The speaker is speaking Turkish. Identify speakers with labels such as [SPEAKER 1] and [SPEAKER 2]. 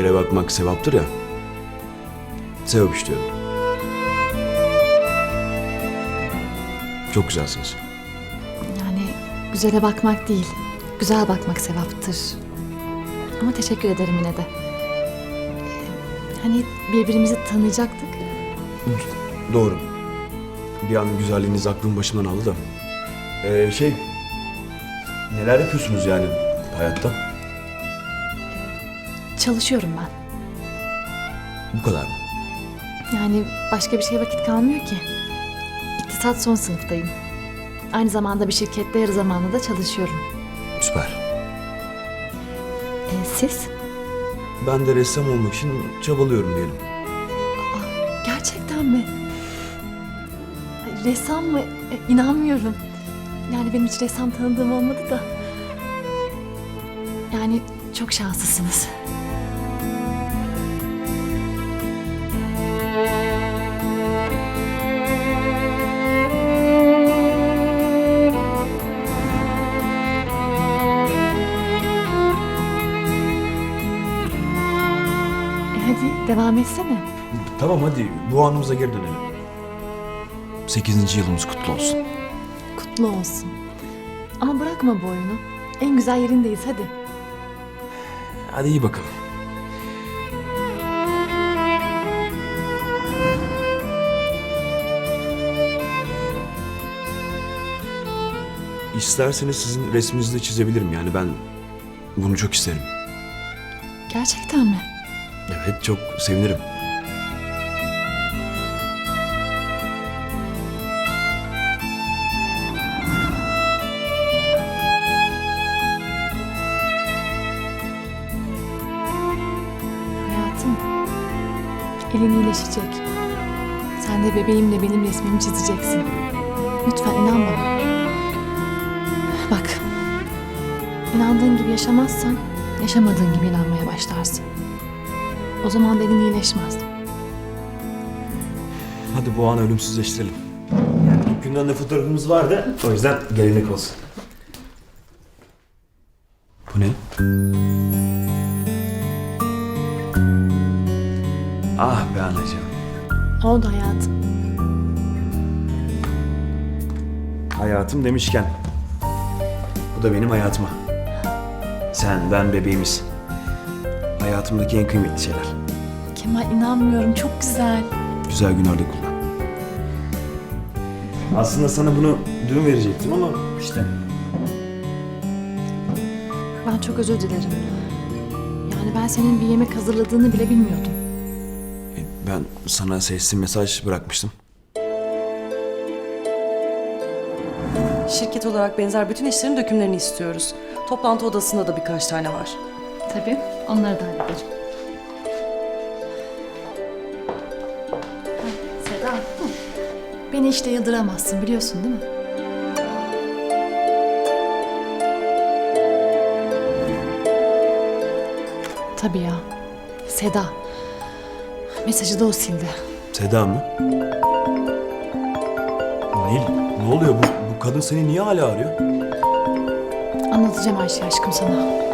[SPEAKER 1] güzele bakmak sevaptır ya. Sevap işliyorum. Çok güzelsiniz.
[SPEAKER 2] Yani güzele bakmak değil, güzel bakmak sevaptır. Ama teşekkür ederim yine de. Hani birbirimizi tanıyacaktık.
[SPEAKER 1] Doğru. Bir an güzelliğiniz aklım başımdan aldı da. Neler yapıyorsunuz yani hayatta?
[SPEAKER 2] Çalışıyorum ben.
[SPEAKER 1] Bu kadar mı?
[SPEAKER 2] Yani başka bir şeye vakit kalmıyor ki. İktisat son sınıftayım. Aynı zamanda bir şirkette yarı zamanlı da çalışıyorum.
[SPEAKER 1] Süper.
[SPEAKER 2] Siz?
[SPEAKER 1] Ben de ressam olmak için çabalıyorum diyelim.
[SPEAKER 2] Gerçekten mi? Ay, ressam mı? İnanmıyorum. Yani benim hiç ressam tanıdığım olmadı da. Yani çok şanslısınız. Hadi devam etsene.
[SPEAKER 1] Tamam hadi bu anımıza geri dönelim. 8. yılımız kutlu olsun.
[SPEAKER 2] Kutlu olsun. Ama bırakma bu oyunu. En güzel yerindeyiz hadi.
[SPEAKER 1] Hadi iyi bakalım. İsterseniz sizin resminizi de çizebilirim yani ben bunu çok isterim.
[SPEAKER 2] Gerçekten mi?
[SPEAKER 1] Evet çok sevinirim.
[SPEAKER 2] Hayatım, elin iyileşecek. Sen de bebeğimle benim resmimi çizeceksin. Lütfen inan bana. Bak, inandığın gibi yaşamazsan, yaşamadığın gibi inanmaya başlarsın. O zaman da elin iyileşmez.
[SPEAKER 1] Hadi bu anı ölümsüzleştirelim. Yani ilk günden de fotoğrafımız vardı. O yüzden gelenek olsun. Bu ne? Ah be anacığım.
[SPEAKER 2] Oldu hayatım.
[SPEAKER 1] Hayatım demişken. Bu da benim hayatıma. Sen, ben, bebeğimiz. Hayatımdaki en kıymetli şeyler.
[SPEAKER 2] Kemal inanmıyorum, çok güzel.
[SPEAKER 1] Güzel günlerde kullan. Aslında sana bunu dün verecektim ama işte.
[SPEAKER 2] Ben çok özür dilerim. Yani ben senin bir yemek hazırladığını bile bilmiyordum.
[SPEAKER 1] Ben sana sesli mesaj bırakmıştım.
[SPEAKER 3] Şirket olarak benzer bütün işlerin dökümlerini istiyoruz. Toplantı odasında da birkaç tane var.
[SPEAKER 2] Tabii, onları da hallederim. Seda, beni işte yıldıramazsın biliyorsun değil mi? Tabii ya, Seda. Mesajı da o sildi.
[SPEAKER 1] Seda mı? Nil, ne oluyor? Bu kadın seni niye hala arıyor?
[SPEAKER 2] Anlatacağım her şeyi aşkım sana.